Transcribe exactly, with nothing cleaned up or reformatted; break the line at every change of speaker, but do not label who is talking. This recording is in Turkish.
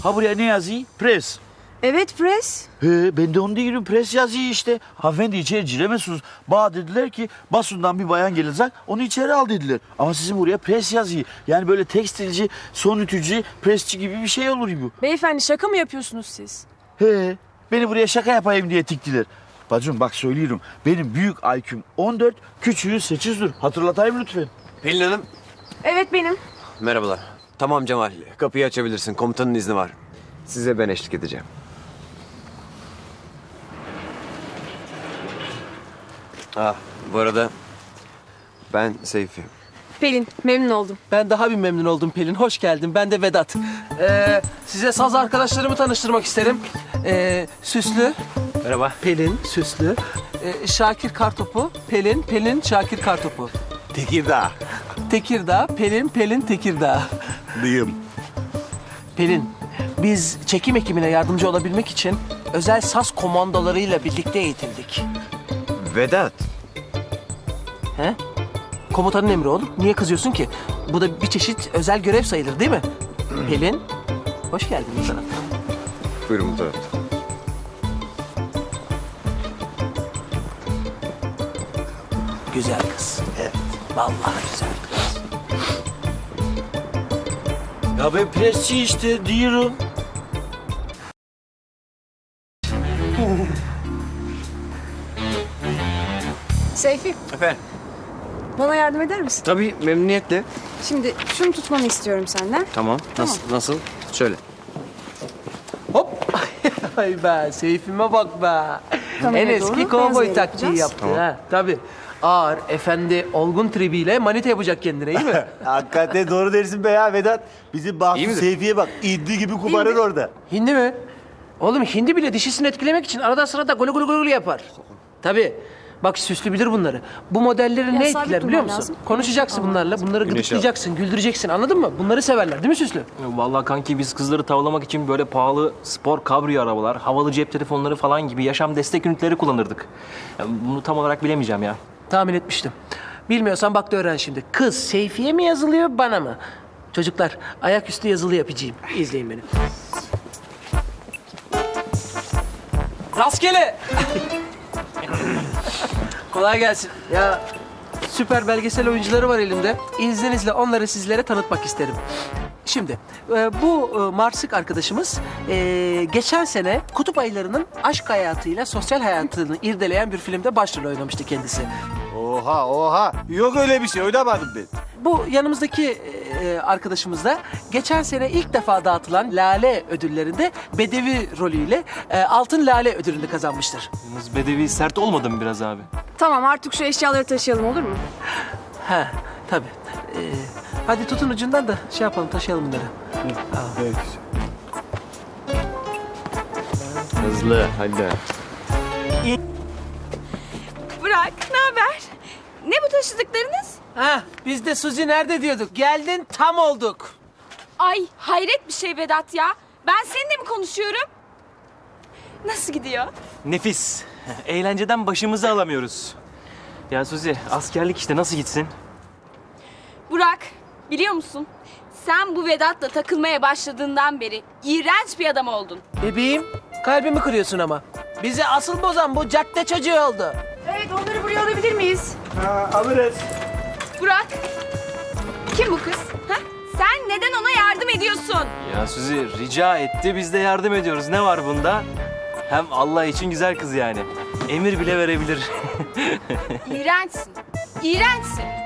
Ha buraya ne yazıyor? Pres.
Evet pres.
He, ben de onu diyorum. Pres yazıyor işte. Hanımefendi içeri giremezsiniz. Bana dediler ki basından bir bayan gelecek. Onu içeri al dediler. Ama sizin buraya pres yazıyor. Yani böyle tekstilci, son ütücü, presçi gibi bir şey olur bu.
Beyefendi şaka mı yapıyorsunuz siz?
He, beni buraya şaka yapayım diye diktiler. Bacım bak söylüyorum. Benim büyük I Q'm on dört, küçüğü sekizdir. Hatırlatayım lütfen.
Pelin Hanım.
Evet benim.
Merhabalar. Tamam Cemal. Kapıyı açabilirsin. Komutanın izni var. Size ben eşlik edeceğim. Ah, bu arada ben Seyfi.
Pelin memnun oldum.
Ben daha bir memnun oldum Pelin. Hoş geldin. Ben de Vedat. Ee, size saz arkadaşlarımı tanıştırmak isterim. Ee, Süslü.
Merhaba.
Pelin, Süslü. Ee, Şakir Kartopu. Pelin, Pelin, Şakir Kartopu.
Tekirdağ.
Tekirdağ, Pelin, Pelin, Tekirdağ.
Dıyım.
Pelin, biz çekim ekibine yardımcı olabilmek için özel saz komandolarıyla birlikte eğitildik.
Vedat.
He? Komutanın emri oğlum. Niye kızıyorsun ki? Bu da bir çeşit özel görev sayılır değil mi? Pelin, hoş geldin bu taraftan.
Buyurun bu tarafta.
Güzel kız. Evet. Vallahi güzel kız.
Ya ben presçi işte diyorum.
Seyfi
Efendim?
bana yardım eder misin?
Tabii memnuniyetle.
Şimdi şunu tutmanı istiyorum senden.
Tamam. Nasıl? Nasıl? Şöyle.
Hop! Ay be, Seyfime bak be.
Kameraya
En
doğru
eski
beyaz
kovboy
yere
taktiği
yapacağız.
yaptı
Tamam.
ha. Tabii. Ağır, efendi, olgun tribiyle manita yapacak kendine, iyi mi?
Hakikaten doğru dersin be ya Vedat. Bizim
İyi
Bahçı
midir?
Seyfi'ye bak. İddi gibi kubarır orada.
Hindi mi? Oğlum hindi bile dişisini etkilemek için arada sırada gulu gulu gulu yapar. Tabii. Bak Süslü bilir bunları. Bu modelleri
Ya
ne
sabit
etkiler biliyor
durman
musun?
lazım.
Konuşacaksın
Güneş
bunlarla,
alman
bunları
Güneş
gıdıklayacaksın, güldüreceksin, anladın mı? Bunları severler değil mi Süslü?
Vallahi kanki biz kızları tavlamak için böyle pahalı spor kabriyo arabalar, havalı cep telefonları falan gibi yaşam destek ünitleri kullanırdık. Ya bunu tam olarak bilemeyeceğim ya.
Tahmin etmiştim. Bilmiyorsan bak da öğren şimdi. Kız Seyfi'ye mi yazılıyor, bana mı? Çocuklar, ayaküstü yazılı yapacağım. İzleyin beni. Rastgele! Kolay gelsin. Ya süper belgesel oyuncuları var elimde. İzninizle onları sizlere tanıtmak isterim. Şimdi e, bu e, Marsık arkadaşımız e, geçen sene kutup ayılarının aşk hayatıyla sosyal hayatını irdeleyen bir filmde başrol oynamıştı kendisi.
Oha oha. Yok öyle bir şey. Oynamadım ben.
Bu yanımızdaki e, arkadaşımız da geçen sene ilk defa dağıtılan Lale ödüllerinde Bedevi rolüyle e, Altın Lale ödülünü kazanmıştır.
Yalnız Bedevi sert olmadı mı biraz abi?
Tamam artık şu eşyaları taşıyalım olur mu?
Ha tabii. E, hadi tutun ucundan da şey yapalım, taşıyalım bunları.
Evet.
Hızlı. Hadi.
Burak, ne haber? Ne bu taşıdıklarınız?
Ha biz de Suzi nerede diyorduk. Geldin tam olduk.
Ay hayret bir şey Vedat ya. Ben seninle mi konuşuyorum? Nasıl gidiyor?
Nefis. Eğlenceden başımızı alamıyoruz. Ya Suzi, askerlik işte nasıl gitsin?
Burak, biliyor musun? Sen bu Vedat'la takılmaya başladığından beri iğrenç bir adam oldun.
Bebeğim kalbimi kırıyorsun ama. Bizi asıl bozan bu cadde çocuğu oldu.
Evet onları buraya alabilir miyiz?
Ha, alırız.
Burak, kim bu kız? Ha? Sen neden ona yardım ediyorsun?
Ya Suzi rica etti, biz de yardım ediyoruz. Ne var bunda? Hem Allah için güzel kız yani. Emir bile verebilir.
İğrençsin, iğrençsin.